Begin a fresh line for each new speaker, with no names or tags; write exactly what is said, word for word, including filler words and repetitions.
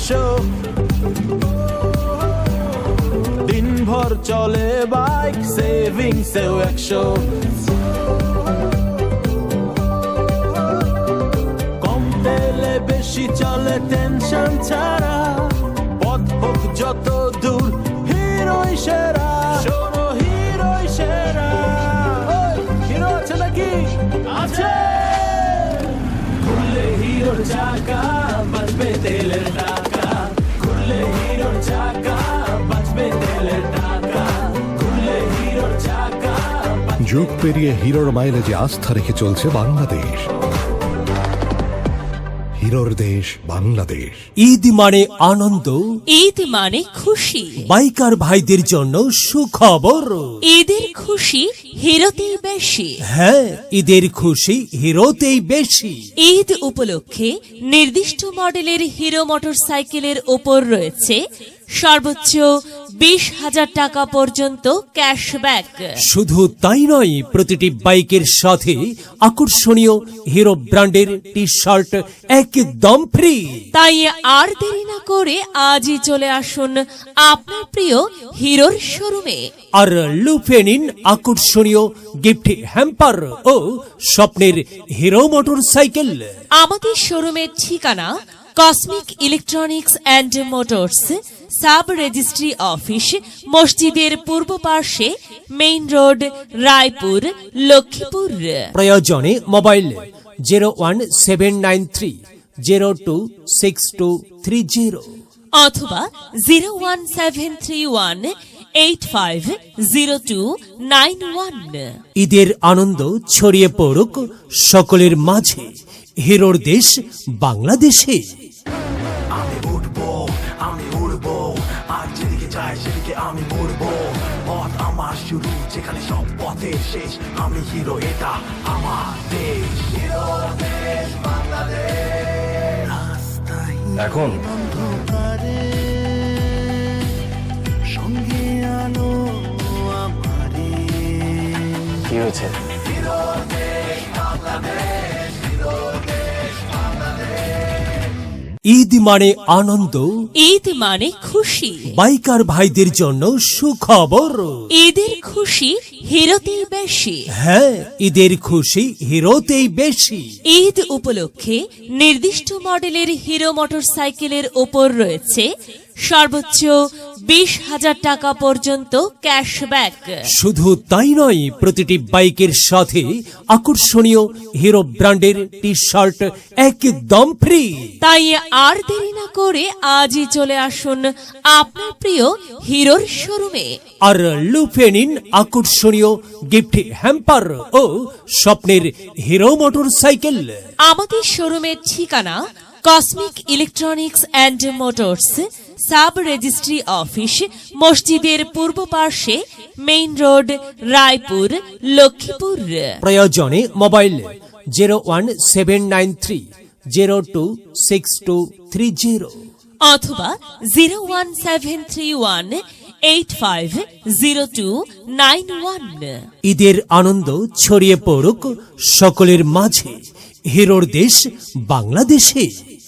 একশো, দিনভর চলে বাইক সেভিংসেও একশো। কম তেলে বেশি চলে টেনশন ছাড়া, পথ হোক যত দূর হিরোই সেরা। শোনো হিরোই সেরা। ওই, হিরো আছে নাকি? আছে। খুললে হিরোর চাকা বাজবে তেলের টাকা, খুললে হিরোর চাকা বাজবে তেলের টাকা, খুললে হিরোর চাকা।
যুগ পেরিয়ে হিরোর মাইলেজে আস্থা রেখে চলছে বাংলাদেশ। হিরোর দেশ বাংলাদেশ।
ঈদ মানে আনন্দ,
ঈদ মানে খুশি,
বাইকার ভাইদের জন্য সুখবর।
ঈদের খুশি হিরোতেই বেশি।
হ্যাঁ, ঈদের খুশি হিরোতেই বেশি।
ঈদ উপলক্ষে নির্দিষ্ট মডেলের হিরো মোটরসাইকেলের ওপর রয়েছে সর্বোচ্চ বিশ হাজার টাকা পর্যন্ত ক্যাশব্যাক।
শুধু তাই নয়, প্রতিটি বাইকের সাথে আকর্ষণীয় হিরো ব্র্যান্ডের টি শার্ট একদম ফ্রি।
তাই আর দেরি না করে আজই চলে আসুন আপনার প্রিয় হিরোর শোরুমে,
আর লুফে নিন আকর্ষণীয় গিফট হ্যাম্পার ও স্বপ্নের হিরো মোটরসাইকেল।
আমাদের শোরুমের ঠিকানা cosmic electronics and motors, sub registry office, মসজিদের পূর্ব পার্শ্বে, মেইন রোড, রায়পুর, লক্ষ্মীপুর।
প্রয়োজনে mobile zero one seven nine three zero two six two three zero
অথবা zero one seven three one eight five zero two nine one.
ঈদের আনন্দ ছড়িয়ে পড়ুক সকলের মাঝে, হিরোর দেশ বাংলাদেশে।
আমি উঠবো, আমি উড়বো, আর যেদিকে যাই সেদিকে আমি উড়বো। পথ আমার শুরু, যেখানে সব পথের শেষ। আমি হিরো, এটা আমার দেশ। হিরো দেশ বাংলাদেশ। রাস্তায়
এখন
সঙ্গে আলো আমারে।
কি হয়েছে?
হিরো দেশ বাংলাদেশ, হিরো দেশ বাংলাদেশ।
ঈদ মানে আনন্দ,
ঈদ মানে খুশি,
বাইকার ভাইদের জন্য সুখবর।
ঈদের খুশি হিরোতেই বেশি।
হ্যাঁ, ঈদের খুশি হিরোতেই বেশি।
ঈদ উপলক্ষে নির্দিষ্ট মডেলের হিরো মোটরসাইকেলের ওপর রয়েছে সর্বোচ্চ বিশ হাজার টাকা পর্যন্ত ক্যাশব্যাক।
শুধু তাই নয়, প্রতিটি বাইকের সাথে আকর্ষণীয় হিরো ব্র্যান্ডের টি শার্ট একদম ফ্রি।
তাই আর দেরি না করে আজই চলে আসুন আপনার প্রিয় হিরোর শোরুমে,
আর লুফে নিন আকর্ষণীয় গিফট হ্যাম্পার ও স্বপ্নের হিরো মোটরসাইকেল।
আমাদের শোরুমের ঠিকানা cosmic electronics and motors, sub registry office, মসজিদের পূর্ব পার্শ্বে, মেইন রোড, রায়পুর, লক্ষ্মীপুর।
প্রয়োজনে mobile zero one seven nine three zero two six two three zero
অথবা zero one seven three one eight five zero two nine one.
ঈদের আনন্দ ছড়িয়ে পড়ুক সকলের মাঝে, হিরোর দেশ বাংলাদেশে।